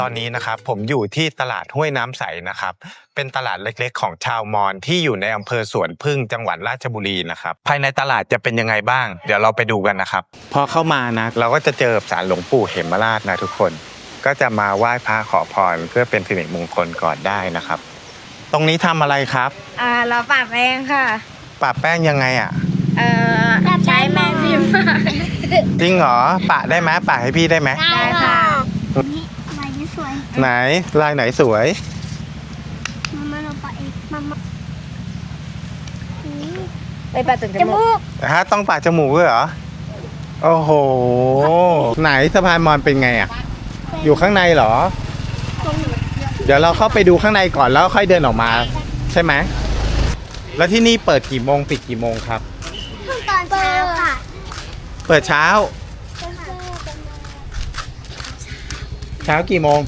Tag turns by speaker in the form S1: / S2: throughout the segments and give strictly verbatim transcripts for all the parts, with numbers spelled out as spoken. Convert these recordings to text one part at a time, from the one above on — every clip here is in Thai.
S1: ตอนนี้นะครับผมอยู่ที่ตลาดห้วยน้ำใสนะครับเป็นตลาดเล็กๆของชาวมอญที่อยู่ในอำเภอสวนพึ่งจังหวัดราชบุรีนะครับภายในตลาดจะเป็นยังไงบ้างเดี๋ยวเราไปดูกันนะครับพอเข้ามานะเราก็จะเจอศาลหลวงปู่เหมราชนะทุกคนก็จะมาไหว้พระขอพรเพื่อเป็นสิริมงคลก่อนได้นะครับตรงนี้ทำอะไรครับ
S2: อ่าเราปะแป้งค่ะ
S1: ปะแป้งยังไงอ่ะ
S2: เอ่อใช้แม่พิมพ์
S1: จริงเหรอปะได้ไหมปะให้พี่ได้ไหม
S2: ได้ค่ะ
S3: ลายนี้สวย
S1: ไหนลายไหนสวย
S3: มามาเราปะเองมามา
S2: ไปปะตึงจมูก
S1: ฮะต้องปะจมูกด้วยเหรอโอ้โหไหนสะพานมอญเป็นไงอ่ะอยู่ข้างในเหรอเดี๋ยวเราเข้าไปดูข้างในก่อนแล้วค่อยเดินออกมาใช่ไหมแล้วที่นี่เปิดกี่โมงปิดกี่โมงครับ
S3: ตอนเช้าค่ะ
S1: เปิดเช้าเช้ากี่โมง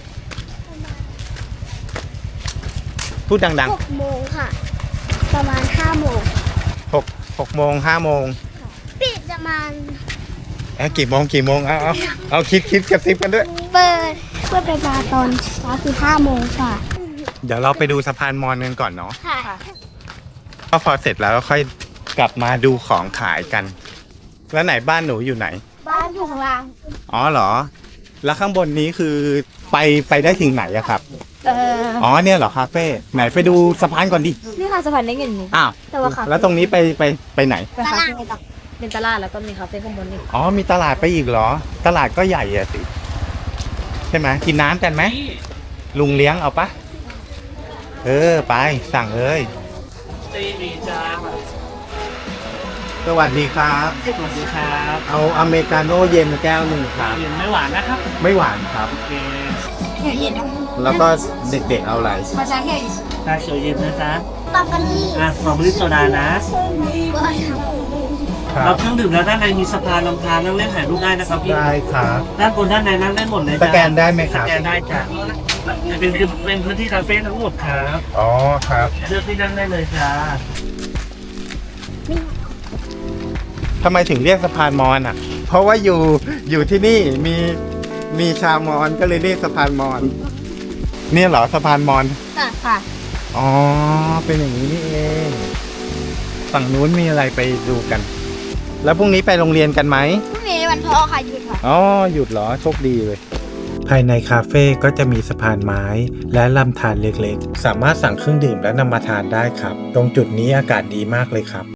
S1: พูดดัง
S3: ๆหกโมงค่ะประมาณห้าโมง
S1: หกหกโมงห้าโมง
S3: ปิดประมาณ
S1: เอ้กี่โมงกี่โมงเอาเอาเอาคิดคิดกระซิบกันด้วย
S3: เปิดเพื่อไปมาตอนเช้าคือห้าโมงค่ะ
S1: เดี๋ยวเราไปดูสะพานมอญกันก่อนเนาะ
S3: ค่ะ
S1: ก็พอเสร็จแล้วก็ค่อยกลับมาดูของขายกันแล้วไหนบ้านหนูอยู่ไหน
S3: บ้านอยู่ข้างล่าง
S1: อ๋อเหรอแล้วข้างบนนี้คือไปไปได้ถึงไหนอะครับ
S2: เออ
S1: อ๋อเนี่ยเหรอคาเฟ่ไหนไปดูสะพานก่อนดิ
S2: นี่ค่ะสะพานได้เงินนี่
S1: อ้าว
S2: แต่ว่าค่ะ
S1: แล้วตรงนี้ไปไปไปไหน
S2: ไปคาเฟ่ต่อเป็นตลาดแล้วก็มีคาเฟ่ข้างบนนี่
S1: อ๋อมีตลาดไปอีกเหรอตลาดก็ใหญ่อะสิใช่ไหมกินน้ำกันไหมลุงเลี้ยงเอาปะเออไปสั่งเลยสวัสดีครับ
S4: สวัสดีครับ
S1: เอาอเมริกาโน่เย็นแก้วหนึ่งครับ
S4: เย็นไม่หวานนะครับ
S1: ไม่หวานครับ
S4: โอเค
S2: เย็น
S1: แล้วก็เด็กๆเอาอะไร
S2: มาชาแค่
S4: ชาเขียวเย็นนะจ๊ะ
S3: สตรอเบอรี่
S4: อ่ะสตรอเบอรี่โซดานะรับเครื่องดื่มแล้วด้านในมีสะพานลำธารนั่งเล่นถ่ายรูปได้นะครับพี่
S1: ได้ครับ
S4: ด้านบนด้านในนั่งได้หมดเลย
S1: สแกนได้ไหมครับ
S4: สแกนได้จ้ะเป็นเป็นพื้นที่คาเฟ่ทั้งหมดครับ
S1: อ๋อครับ
S4: เลือกที่นั่งได้เลยจ้า
S1: ทำไมถึงเรียกสะพานมอญอ่ะเพราะว่าอยู่อยู่ที่นี่มีมีชาวมอญก็เลยเรียกสะพานมอญเนี่ยเหรอสะพานมอญ
S2: ค่ะค่ะ
S1: อ๋อเป็นอย่างนี้นี่เองฝั่งนู้นมีอะไรไปดูกันแล้วพรุ่งนี้ไปโรงเรียนกันไหม
S2: พรุ่งนี้วันพ่อค่ะหยุดค่ะ
S1: อ๋อหยุดเหรอโชคดีเลยภายในคาเฟ่ก็จะมีสะพานไม้และลำธารเล็กๆสามารถสั่งเครื่องดื่มและนำมาทานได้ครับตรงจุดนี้อากาศดีมากเลยครับ